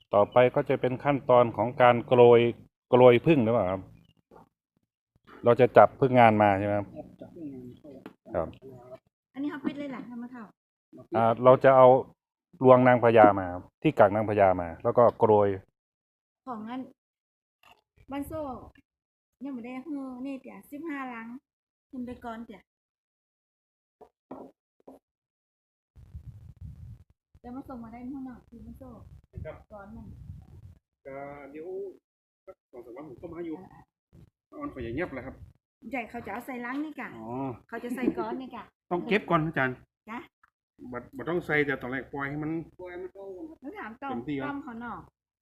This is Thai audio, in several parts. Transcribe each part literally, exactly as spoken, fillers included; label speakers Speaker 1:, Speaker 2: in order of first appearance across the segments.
Speaker 1: ต่อไปก็จะเป็นขั้นตอนของการโกรยโกรยผึ้งหรือเปล่าครับเราจะจับผึ้งงานมาใช่ไหมครับครับ
Speaker 2: อันนี้เขาปิดเลยแหละทำมาเท่า
Speaker 1: อ่าเราจะเอารวงนางพญามาครับที่กักนางพญามา แล้วก็โกรย
Speaker 2: ของงั้นบ้านโซ่ยังไม่ได้เฮ้อนี่เดี๋ยวสิบห้าลังขึ้นไปก่อนเดี๋ยวเดี๋ยวมาส่งมาได้เมื่อหน่อยคือบ้านโซ่ก่อนมัน
Speaker 3: ก็เดี๋ยวสักสองสามวันผมก็มาอยู่ออนไฟอย่างเงียบเลยครับ
Speaker 2: ใหญ่เขาจะเอาใส่ลังนี่กะ
Speaker 3: อ๋อ
Speaker 2: เขาจะใส่ก้อนนี่กะ
Speaker 3: ต้องเก็บก่อนอาจารย์
Speaker 2: จ้ะ
Speaker 3: บัดบัดต้องใส่แต่ตอนแรกปล่อยให้มันปล่อยมันโต
Speaker 2: แล้วถามต้อ
Speaker 3: เต็
Speaker 2: ม
Speaker 3: มที่ครับ
Speaker 2: ต้อมเขาหน่อ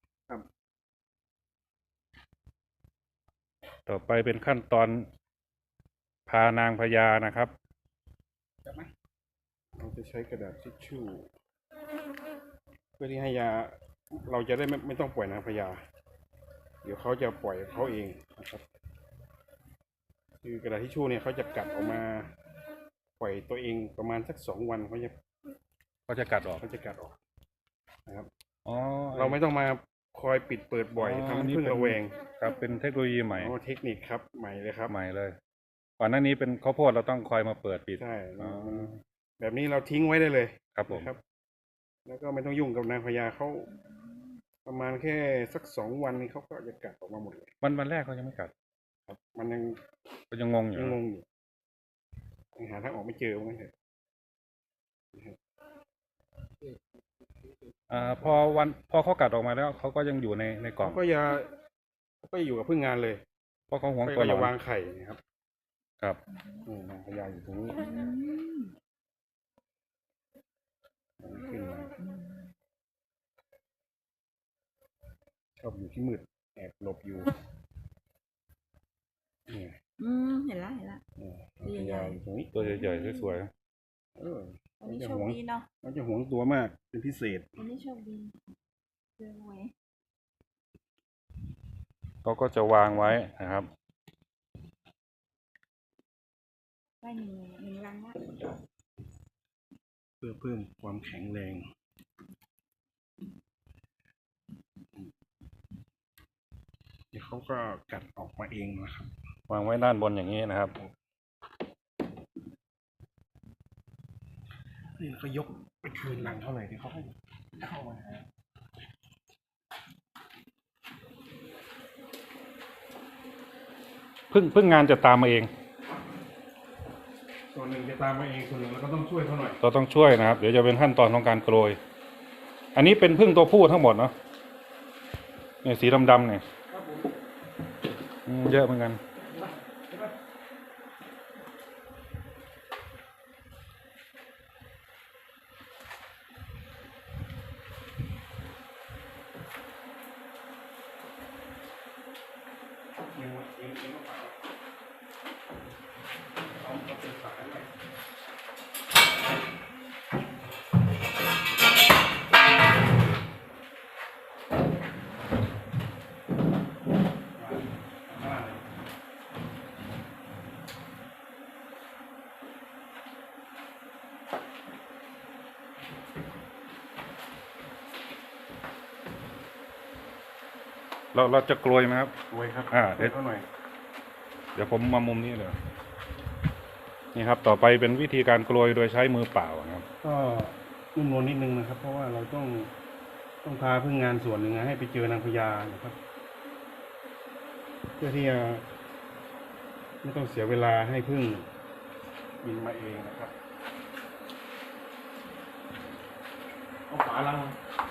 Speaker 1: ต่อไปเป็นขั้นตอนพานางพญานะครับ
Speaker 3: จับไหมเราจะใช้กระดาษทิชชู่เพื่อที่ให้ยาเราจะได้ไม่ไม่ต้องปล่อยนางพญาเดี๋ยวเขาจะปล่อยเขาเองนะครับคือกระดาษทิชชู่เนี่ยเขาจะกัดออกมาปล่อยตัวเองประมาณสักสองวันเขาจะ
Speaker 1: ก็จะกัดออก
Speaker 3: เขาจะกัดออกนะครับ
Speaker 1: อ๋อ
Speaker 3: เราไม่ต้องมาคอยปิดเปิดบ่อยทำให้พึ่งระแวง
Speaker 1: ครับเป็นเทคโนโลยีใหม่
Speaker 3: อ๋อเทคนิคครับใหม่เลยครับ
Speaker 1: ใหม่เลยก่อนหน้านี้เป็นข้าวโพดเราต้องคอยมาเปิดปิด
Speaker 3: ใช่
Speaker 1: อ๋อ
Speaker 3: แบบนี้เราทิ้งไว้ได้เลย
Speaker 1: ครับผม
Speaker 3: นะครับ แล้วก็ไม่ต้องยุ่งกับนางพญาเขาประมาณแค่สักสองวันนี้เขาก็จะกัดออกมาหมดเลย
Speaker 1: วันวันแรกเขายังไม่กัด
Speaker 3: ครับ มันยัง
Speaker 1: ก็ยังงงอยู่
Speaker 3: ยังงงอยู่ยังหาทางออกไม่เจอว่างั้นเถอะ
Speaker 1: อ่าพอวันพอเขากัดออกมาแล้วเขาก็ยังอยู่ในในกล่อง
Speaker 3: เขาก็จะเขาก็อยู่กับพึ่งงานเลย
Speaker 1: เพราะเขาหวง
Speaker 3: เขา
Speaker 1: ตัว
Speaker 3: ก็
Speaker 1: เรา
Speaker 3: จะวางไข่นะครับ
Speaker 1: ครับ
Speaker 3: นี่นางพญาอยู่ตรงนี้
Speaker 2: อืม
Speaker 3: ขึ้นมาชอบอยู่ที่มืดแอบหลบอยู่นี่
Speaker 2: อืมเห็นละเห็นละ
Speaker 3: นี่นางพญาอยู่ตรงนี้
Speaker 1: ตัวใหญ่ๆสวย
Speaker 3: เออ
Speaker 2: วันนี้โชคดีเนาะ
Speaker 3: เขาจะหวงตัวมากเป็นพิเศษ
Speaker 2: วันนี้โชคดีเจอหวย
Speaker 1: ๆเขาก็จะวางไว้นะครับ
Speaker 2: ได้หนึ่งหนึ่งลังละ
Speaker 3: เพื่อเพิ่มความแข็งแรงเดี๋ยวเขาก็กัดออกมาเองนะครับ
Speaker 1: วางไว้ด้านบนอย่างนี้นะครับ
Speaker 3: นี่เขายกไปคืนหลังเท่าไหร่ที่เขาให้เข้ามา
Speaker 1: พึ่งพึ่งงานจะตามมาเอง
Speaker 3: ส่วนหนึ่งจะตามมาเองส่วนหนึ่งเราก็ต้องช่วยเขาหน่อย
Speaker 1: เราต้องช่วยนะครับ เดี๋ยวจะเป็นขั้นตอนของการโกรย อันนี้เป็นพึ่งตัวผู้ทั้งหมดเนาะเนี่ยสีดำๆเนี่ยอืมเยอะเหมือนกัน
Speaker 3: เองเองเองก็ฝากเอาเอาเป็นสายไป
Speaker 1: เราเราจะโกรยไหมครับ
Speaker 3: รวยครับ
Speaker 1: อ่า
Speaker 3: เดี๋ยวเขาหน่อย
Speaker 1: เดี๋ยวผมมามุมนี้เลยนี่ครับ ต่อไปเป็นวิธีการโกรยโดยใช้มือเปล่านะครับ
Speaker 3: ก็นุ่มนวลนิดนึงนะครับ เพราะว่าเราต้องต้องพาพึ่งงานส่วนหนึ่งให้ไปเจอนางพญานะครับ เพื่อที่จะไม่ต้องเสียเวลาให้พึ่งบินมาเองนะครับเอาฝาลัง